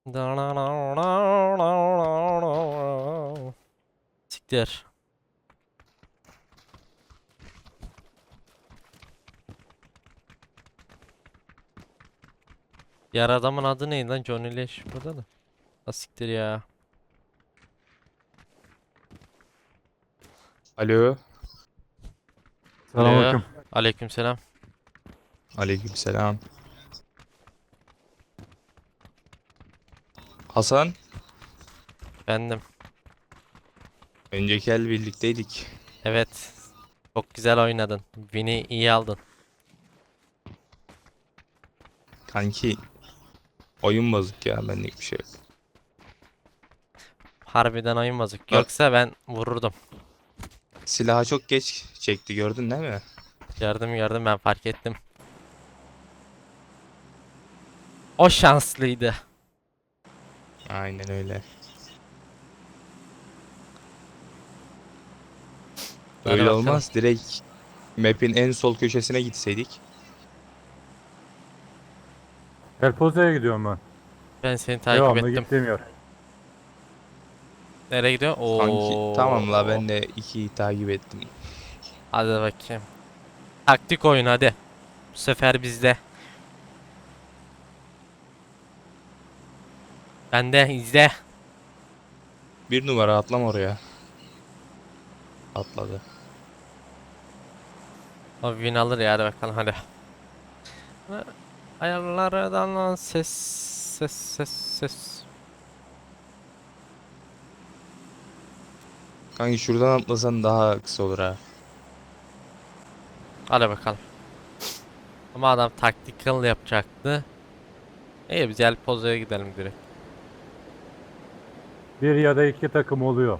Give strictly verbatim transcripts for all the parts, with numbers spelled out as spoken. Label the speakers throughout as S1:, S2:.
S1: Siktir. Diğer adamın adı neydi lan? Johnny Leş burada da. Ha siktir ya.
S2: Alo.
S1: Alo.
S3: Selamünaleyküm.
S1: Aleykümselam.
S2: Aleykümselam. Hasan,
S1: Bendim.
S2: önceki el birlikteydik.
S1: Evet. Çok güzel oynadın. Win'i iyi aldın.
S2: Kanki oyun bozuk ya, benlik bir şey yok.
S1: Harbiden oyun bozuk.
S2: Bak,
S1: Yoksa ben vururdum.
S2: silahı çok geç çekti, gördün değil mi?
S1: Gördüm gördüm, ben fark ettim. O şanslıydı.
S2: Aynen öyle.
S1: Hadi
S2: Öyle
S1: bakalım.
S2: olmaz. Direkt map'in en sol köşesine gitseydik.
S3: Elpoze'ye gidiyorum ben.
S1: Ben seni takip
S3: Devamlı
S1: ettim.
S3: gittiğim yer.
S1: Nereye gidiyor?
S2: Kanki tamam la,
S1: Oo.
S2: ben de ikiyi takip ettim.
S1: Hadi bakayım. Taktik oyun hadi. Bu sefer bizde. Bende izle.
S2: Bir numara atlam oraya. Atladı.
S1: O win alır ya, hadi bakalım hadi. Ayarlardan lan ses ses ses ses.
S2: Kanki şuradan atlasan daha kısa olur ha.
S1: Hadi bakalım. Ama adam tactical yapacaktı. İyi, biz gel pozoya gidelim direkt.
S3: Bir ya da iki takım oluyor.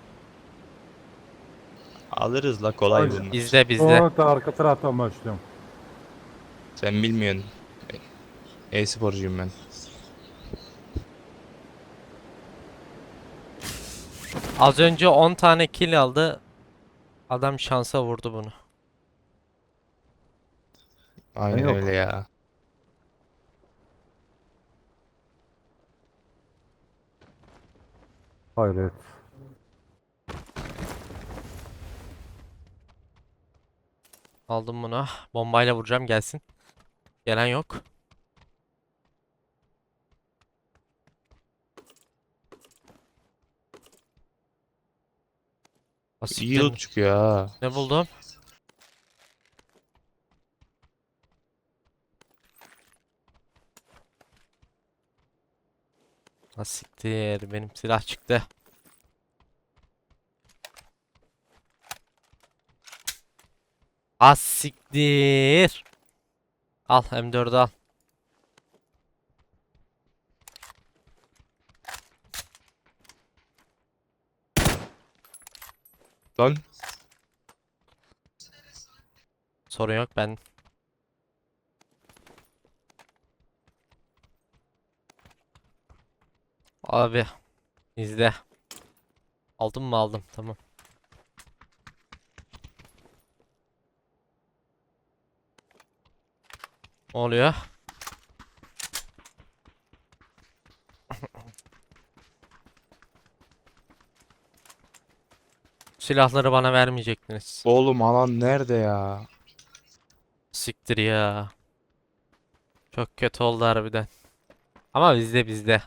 S2: Alırız la, kolay
S3: Hadi.
S2: bunlar.
S1: Bizde bizde.
S3: Sonra da arka taraftan başlıyorum.
S2: Sen bilmiyorsun. E-sporcuyum ben.
S1: Az önce on tane kill aldı. Adam şansa vurdu bunu.
S3: Ben
S2: Aynen öyle
S3: yok.
S2: ya.
S3: Hayret.
S1: Aldım bunu. Bombayla vuracağım, gelsin. Gelen yok.
S2: İyi loot
S1: Asiktir.
S2: çıkıyor ha.
S1: Ne buldum? Asiktir. Benim silah çıktı. Asiktir. Al M dördü al.
S2: Lan
S1: Sorun yok, ben. Abi izle. Aldım mı, aldım, tamam. Ne oluyor? Silahları bana vermeyecektiniz.
S2: oğlum, alan nerede ya?
S1: Siktir ya. Çok kötü oldu harbiden. Ama bizde bizde.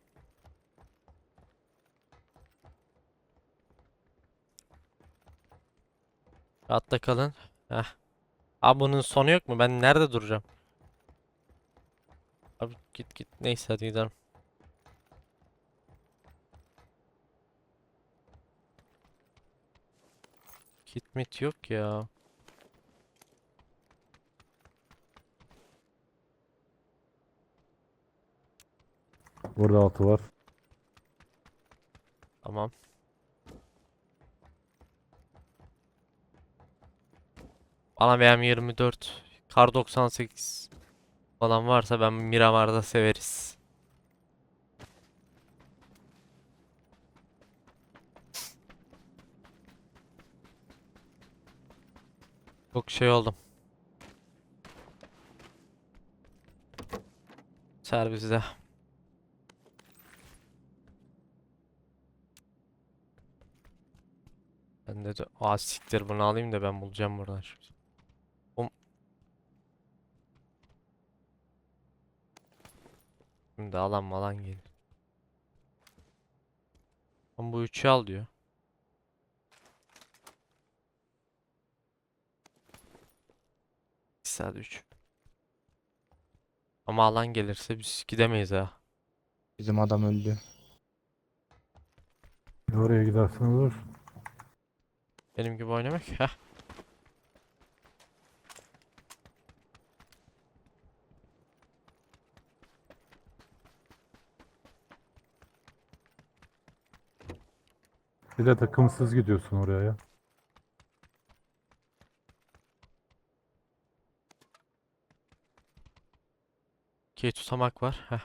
S1: Rahatta kalın. Heh. Abi bunun sonu yok mu? Ben nerede duracağım? Abi git git. Neyse hadi gidelim. Kit mit yok ya.
S3: Burada altı var.
S1: Tamam. Bana B M yirmi dört, Kar doksan sekiz falan varsa ben Miramar'da severiz. Çok şey oldum. Serviste. Ben de aa siktir bunu alayım da ben bulacağım buradan şimdi. Oğlum, şimdi alan malan gelir. Ama bu üçü al diyor. iki saat üç. Ama alan gelirse biz gidemeyiz ha.
S2: Bizim adam öldü.
S3: Oraya gidersen olur.
S1: Benim gibi oynamak. Heh.
S3: Bir de takımsız gidiyorsun oraya ya.
S1: Okey tutamak var. Heh.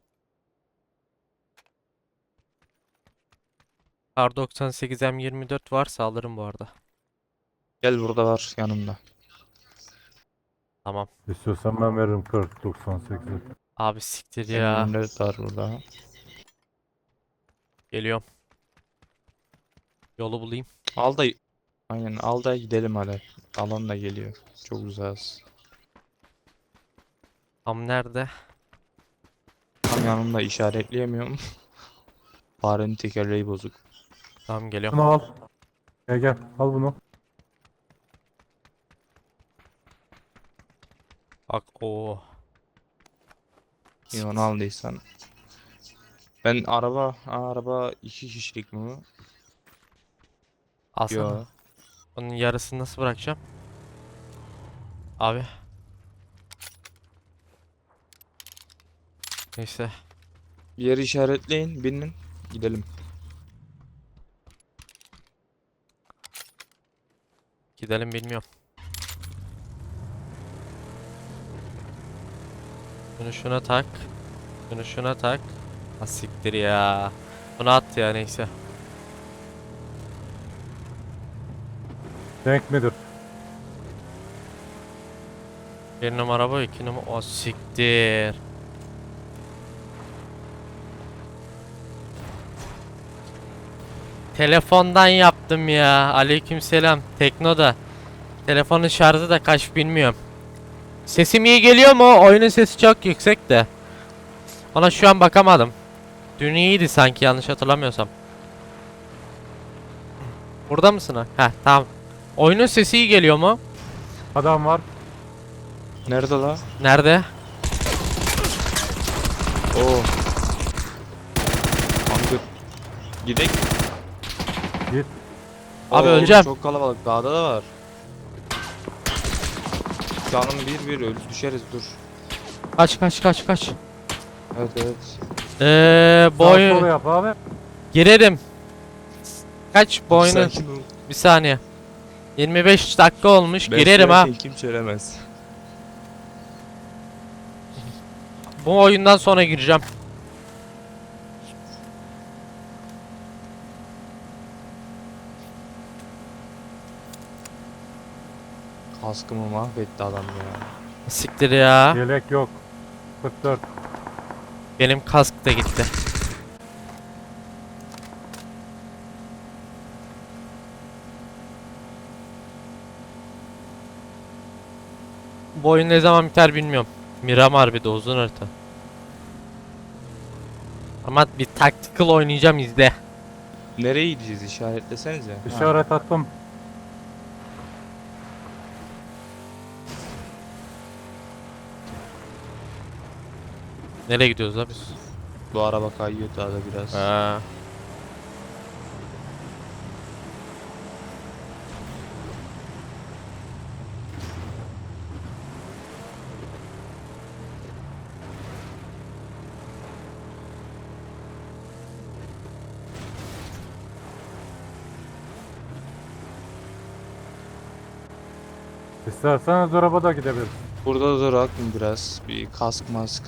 S1: R doksan sekiz M yirmi dört varsa alırım bu arada.
S2: Gel burada var yanımda.
S1: Tamam.
S3: İstiyorsan ben veririm kırk doksan sekizi.
S1: Abi siktir
S2: M
S1: ya.
S2: yirmi dört var burada.
S1: Geliyorum. Yolu bulayım.
S2: Al da aynen al da gidelim hadi. Alan da geliyor. Çok uzağız.
S1: Tam nerede?
S2: Tam yanımda işaretleyemiyorum. Farenin tekerleği bozuk.
S1: Tamam geliyorum.
S3: Bunu al. Gel gel al bunu.
S1: Bak o.
S2: İyi onu aldıysan. Ben araba, Aa, araba iki kişilik mi bu?
S1: Alsana.
S2: Yo.
S1: Onun yarısını nasıl bırakacağım? Abi. Neyse.
S2: Bir yeri işaretleyin, binin, gidelim.
S1: Gidelim bilmiyorum. Şunu şuna tak. Şunu şuna tak. Ha siktir ya. Bunu at ya neyse.
S3: Denk midir?
S1: Bir numara bu, iki numara. O siktir. Telefondan yaptım ya. Aleykümselam. Teknoda. Telefonun şarjı da kaç bilmiyorum. Sesim iyi geliyor mu? Oyunun sesi çok yüksek de. Ona şu an bakamadım. Dün iyiydi sanki yanlış hatırlamıyorsam. Burada mısın ha? Heh tamam. Oyunun sesi iyi geliyor mu?
S3: Adam var.
S2: Nerede la?
S1: Nerede?
S2: Oo. Kanka. Gidek.
S3: Git.
S1: Abi
S2: Oo,
S1: öleceğim.
S2: Çok kalabalık. Dağda da var. Canım bir bir öl düşeriz dur.
S1: Kaç kaç kaç kaç.
S2: Evet evet.
S1: Eee bu
S3: Sağ sola
S1: oyun
S3: yap abi.
S1: girerim. Kaç bu oyunu?
S2: Sakin ol.
S1: Bir saniye. yirmi beş dakika olmuş.
S2: Ben
S1: Girerim ha.
S2: söylerken Kim söylemez.
S1: Bu oyundan sonra gireceğim.
S2: Kaskımı mahvetti adam ya.
S1: Siktir ya.
S3: Yelek yok. kırk dört.
S1: Benim kask da gitti. Bu oyun ne zaman biter bilmiyorum. Miramar bir de uzun harita. Ama bir tactical oynayacağım izle.
S2: Nereye gideceğiz işaretlesenize. Ha.
S3: İşaret attım.
S1: Nereye gidiyoruz la biz?
S2: Bu araba kayıyor daha da biraz.
S1: Ha.
S3: İsterseniz arabada gidebiliriz.
S2: Burada durak mı biraz? Bir kask mask.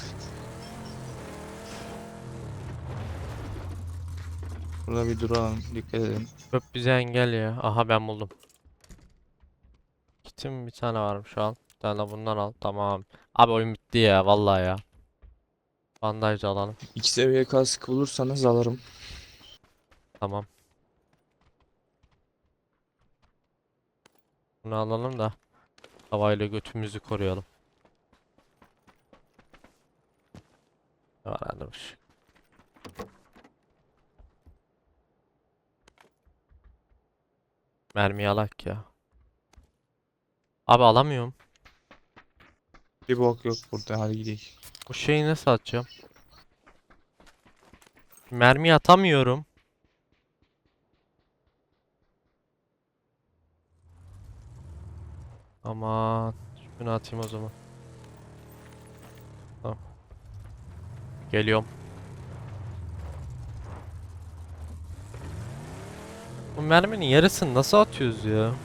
S2: Burada bir duralım. Dikkat edin.
S1: Öp bize engel ya. Aha ben buldum. Kitim bir tane varmış al. Bir tane de bundan al. Tamam. Abi oyun bitti ya vallahi ya. Bandaj da alalım.
S2: İki seviye kask bulursanız alırım.
S1: Tamam. Bunu alalım da havayla götümüzü koruyalım. Ne var anlamış. Mermi alak ya. Abi alamıyorum.
S2: Bir bok yok burada, hadi gidelim.
S1: Bu şeyi nasıl atacağım? Mermi atamıyorum. Aman. Şunu atayım o zaman. Tamam. Geliyorum. Bu merminin yarısını nasıl atıyoruz ya?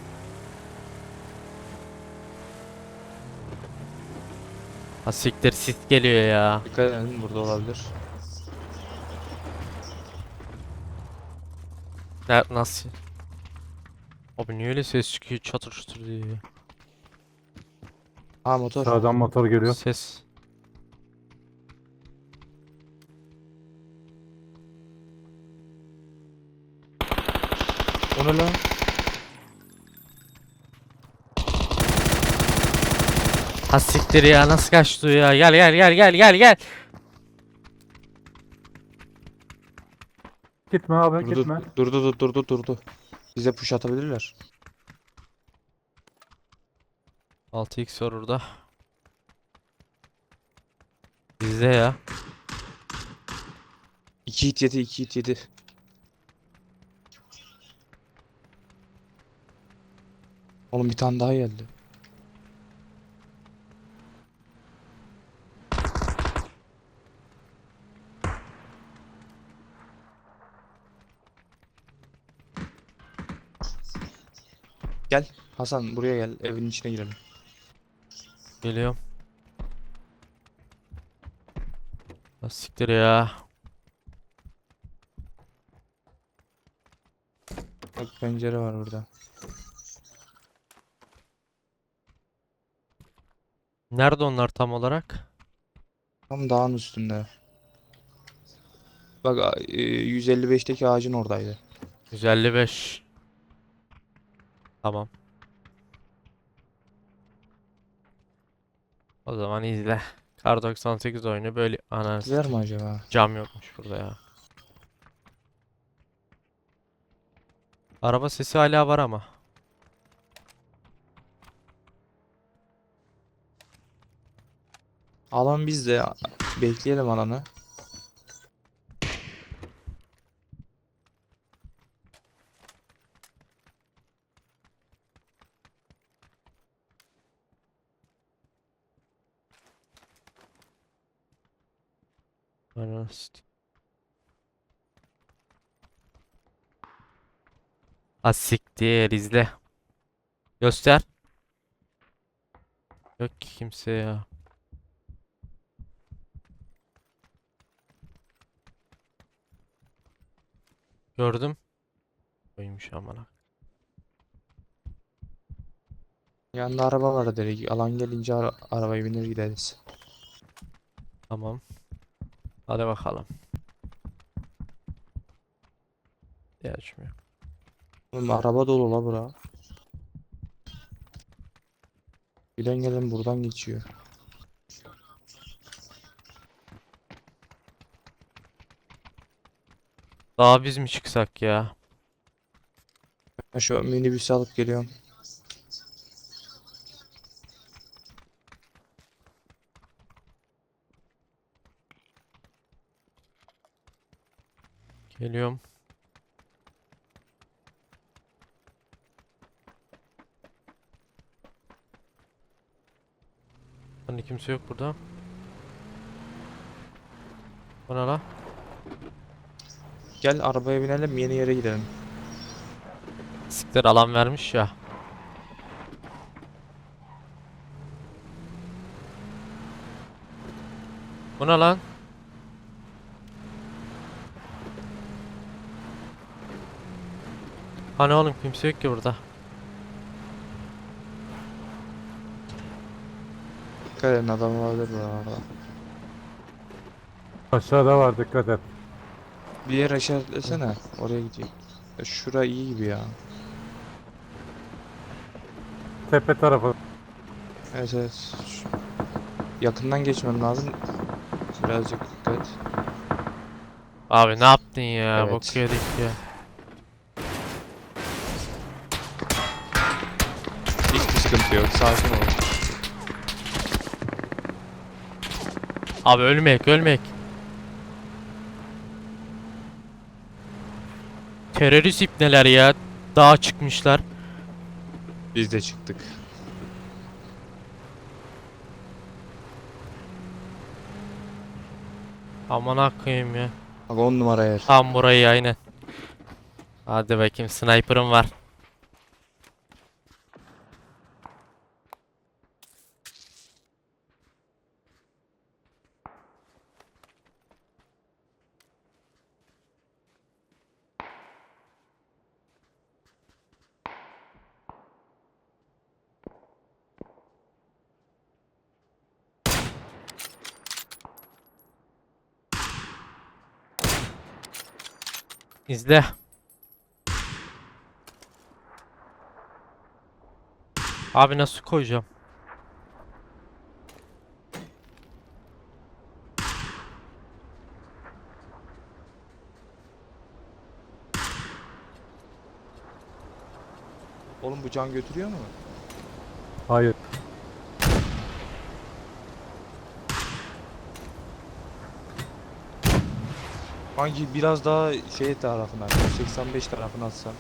S1: Ha siktir, sis geliyor ya.
S2: Dikkat edin, burada olabilir.
S1: Ne, nasıl? Abi niye öyle ses çıkıyor çatır çatır diye.
S2: Ha, motor.
S3: Sağdan motor geliyor.
S1: Ses.
S2: O ne lan?
S1: Ha siktir ya, nasıl kaçtı ya? Gel gel gel gel gel gel.
S3: Gitme abi
S2: Durdu,
S3: gitme.
S2: durdu, durdu, durdu, durdu. Bize push atabilirler.
S1: altı x var orada. Bizde ya.
S2: iki hit yedi, iki hit yedi. Oğlum bir tane daha geldi. Gel Hasan, buraya gel, evin içine girelim.
S1: Geliyorum. Ha siktir ya.
S2: Bak, pencere var burada.
S1: Nerede onlar tam olarak?
S2: Tam dağın üstünde. Bak, a- e, yüz elli beşteki ağacın oradaydı.
S1: yüz elli beş. Tamam. O zaman izle. Kar doksan sekiz oyunu böyle ana
S2: Gider mi acaba?
S1: cam yokmuş burada ya. Araba sesi hala var ama.
S2: Alan bizde. Bekleyelim alanı.
S1: Ana sit- Ha siktir, izle. Göster. Yok ki kimse ya. Gördüm. Oymuş amına.
S2: Yanında araba var direkt. Alan gelince ara arabaya binir gideriz.
S1: Tamam. Hadi bakalım. Ya açmıyor.
S2: Oğlum araba dolu la bura. Giden gelen buradan geçiyor.
S1: Daha biz mi çıksak ya?
S2: Ben şu minibüsü alıp geliyorum.
S1: Geliyorum. Hani kimse yok burada. Bana la.
S2: Gel arabaya binelim, yeni yere gidelim.
S1: Siktir, alan vermiş ya. Bu ne lan? Hani oğlum kimse yok ki burada.
S2: Dikkat edin, adam olabilir buralarda.
S3: Aşağıda var dikkat et.
S2: Bir yer işaretlesene. Oraya gideyim. Ya şura iyi gibi ya.
S3: tepe tarafı.
S2: Evet evet. Şu- Yakından geçmem lazım. Birazcık dikkat.
S1: Abi ne yaptın ya?
S2: Evet.
S1: Bok yedik ya.
S2: Hiçbir sıkıntı yok. Sakin ol.
S1: Abi ölmek ölmek. Terörist ipneler ya. Dağa çıkmışlar.
S2: Biz de çıktık.
S1: Aman koyayım ya.
S2: Bak on numara yer.
S1: Tam burayı aynen. Hadi bakayım sniper'ım var. İzle. Abi nasıl koyacağım?
S2: Oğlum bu can götürüyor mu?
S3: Hayır.
S2: Hangi biraz daha şey tarafına, yüz seksen beş tarafına atsam.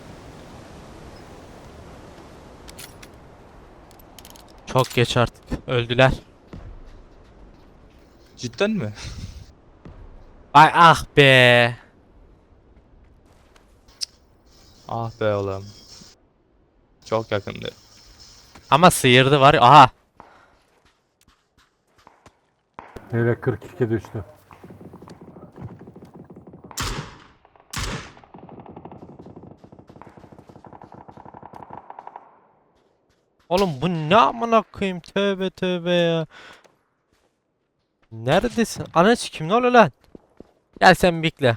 S1: Çok geç artık. Öldüler.
S2: Cidden mi?
S1: Ay ah be.
S2: Ah be oğlum. Çok yakındı.
S1: Ama sıyırdı var. ya, Aha.
S3: Hele kırk iki düştü.
S1: Oğlum bu ne amına koyayım? Tövbe tövbe ya. Neredesin? Ana kim ne oluyor lan? Gel sen bekle.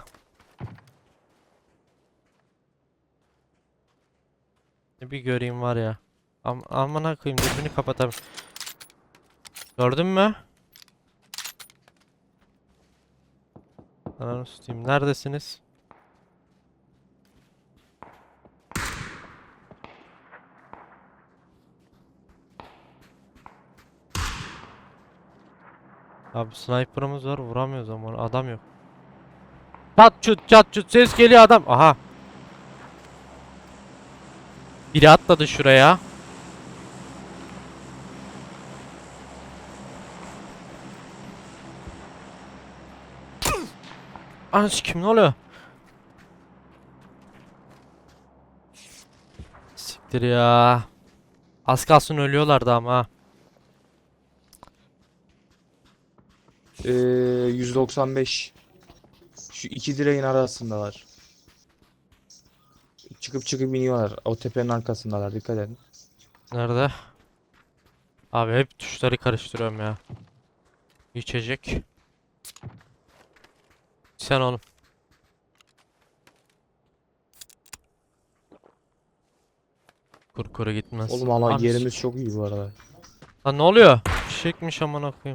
S1: Bir göreyim var ya. Am amına koyayım dürbünü kapatam. Gördün mü? Ananı satayım. Neredesiniz? Abi sniper'ımız var vuramıyoruz ama adam yok. Çat çut çat çut ses geliyor adam. Aha. Biri atladı şuraya. Anası kim ne oluyor? Siktir ya. Az kalsın ölüyorlardı ama. ha.
S2: Ee, yüz doksan beş. Şu iki direğin arasındalar. Çıkıp çıkıp iniyorlar. O tepenin arkasındalar. Dikkat edin.
S1: Nerede? Abi hep tuşları karıştırıyorum ya. İçecek. Sen oğlum. Kurkuru gitmez.
S2: Oğlum ama
S1: Abi
S2: yerimiz
S1: sik-
S2: çok iyi bu arada.
S1: Lan ne oluyor? Fişekmiş amına koyayım.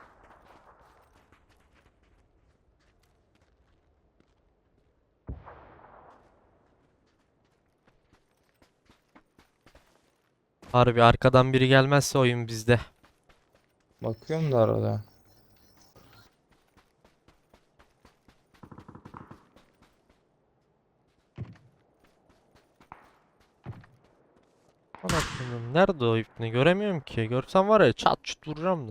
S1: Harbi arkadan biri gelmezse oyun bizde.
S2: Bakıyorum da arada.
S1: Ana koyayım. Nerede o ipni? Göremiyorum ki. Görsem var ya çat çut vuracağım da.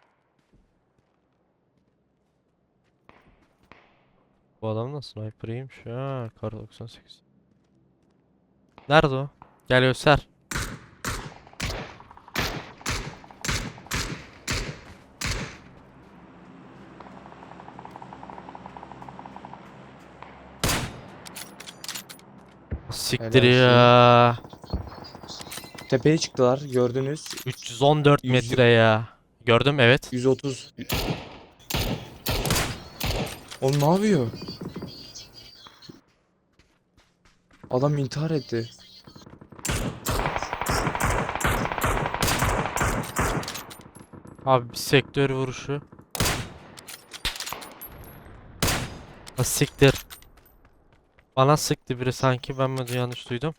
S1: Bu adam da sniper'ıymış ha. Kar doksan sekiz. Nerede o? Gel göster. Siktir
S2: Helal olsun.
S1: ya.
S2: Tepeye çıktılar. Gördünüz.
S1: üç yüz on dört
S2: Yüz-
S1: metre ya. Gördüm evet.
S2: yüz otuz. Oğlum ne yapıyor? Adam intihar etti.
S1: Abi bir sektör vuruşu. Ha, siktir. Bana sıktı biri sanki, ben mi yanlış duydum?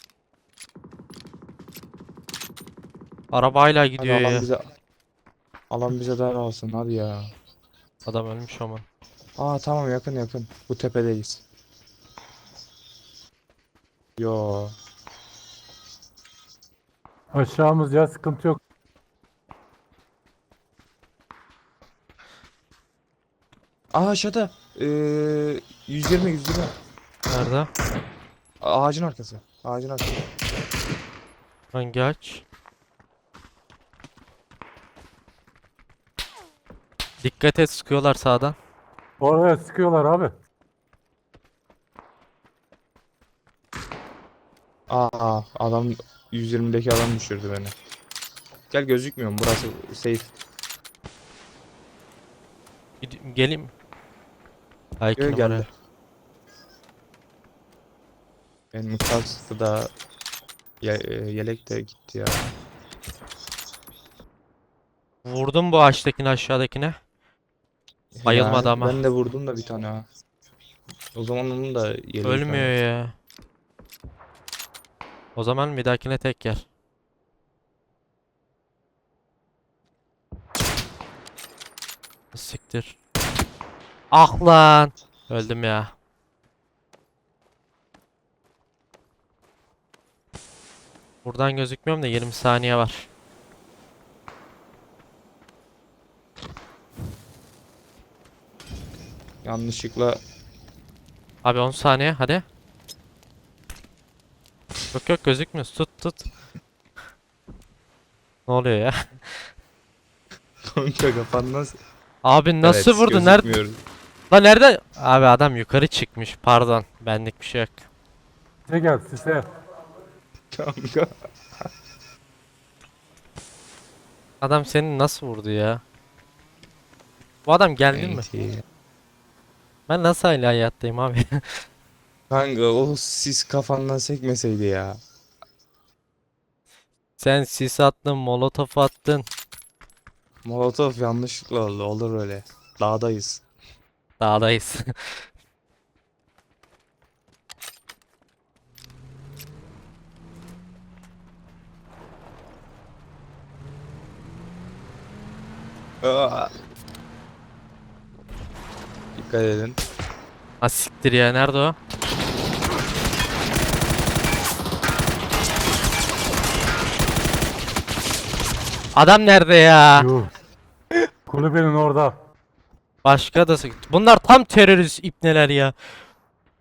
S1: Araba hala
S2: Hadi
S1: gidiyor
S2: alan
S1: ya.
S2: bize alan bize daralsın hadi ya.
S1: Adam ölmüş ama.
S2: Aa tamam yakın yakın. Bu tepedeyiz. Yo.
S3: Aşağımız ya, sıkıntı yok.
S2: Aa aşağıda. Ee, yüz yirmi yüz yirmi.
S1: Nerede?
S2: Ağacın arkası. Ağacın arkası.
S1: Hangi aç? Dikkat et, sıkıyorlar sağdan.
S3: Oraya sıkıyorlar abi.
S2: Aa adam yüz yirmideki adam düşürdü beni. Gel gözükmüyorum burası safe.
S1: Gid- Geleyim. Ay iki
S2: Yo,
S1: numara.
S2: geldi. Benim kastı da ye- e, yelek de gitti ya.
S1: Vurdum bu ağaçtakini aşağıdakine. Bayılmadı
S2: Ya,
S1: ama.
S2: ben de vurdum da bir tane ha. O zaman onun da yeleği
S1: Ölmüyor
S2: kaydı.
S1: ya. O zaman bir dahakine tek yer. Siktir. Ah lan. Öldüm ya. Buradan gözükmüyorum da yirmi saniye var.
S2: Yanlışlıkla
S1: Abi on saniye hadi. Yok yok gözükmüyor. Tut tut. Ne oluyor ya?
S2: kanka kafandan
S1: Abi nasıl
S2: Evet,
S1: vurdu? Nerede?
S2: gözükmüyoruz.
S1: Lan nerede? Abi adam yukarı çıkmış. Pardon. Benlik bir şey yok.
S3: Size gel size.
S2: Kanka.
S1: Adam seni nasıl vurdu ya? Bu adam geldi mi?
S2: Enti.
S1: Ben nasıl hala hayattayım abi?
S2: Kanka o sis kafandan sekmeseydi ya.
S1: Sen sis attın, molotof attın.
S2: Molotov yanlışlıkla oldu. Olur öyle. Dağdayız.
S1: Dağdayız.
S2: Aa. Dikkat edin.
S1: Ha siktir ya, nerede o? Adam nerede ya?
S3: Yuh. Kulübenin orada.
S1: Başka da sık- Bunlar tam terörist ipneler ya.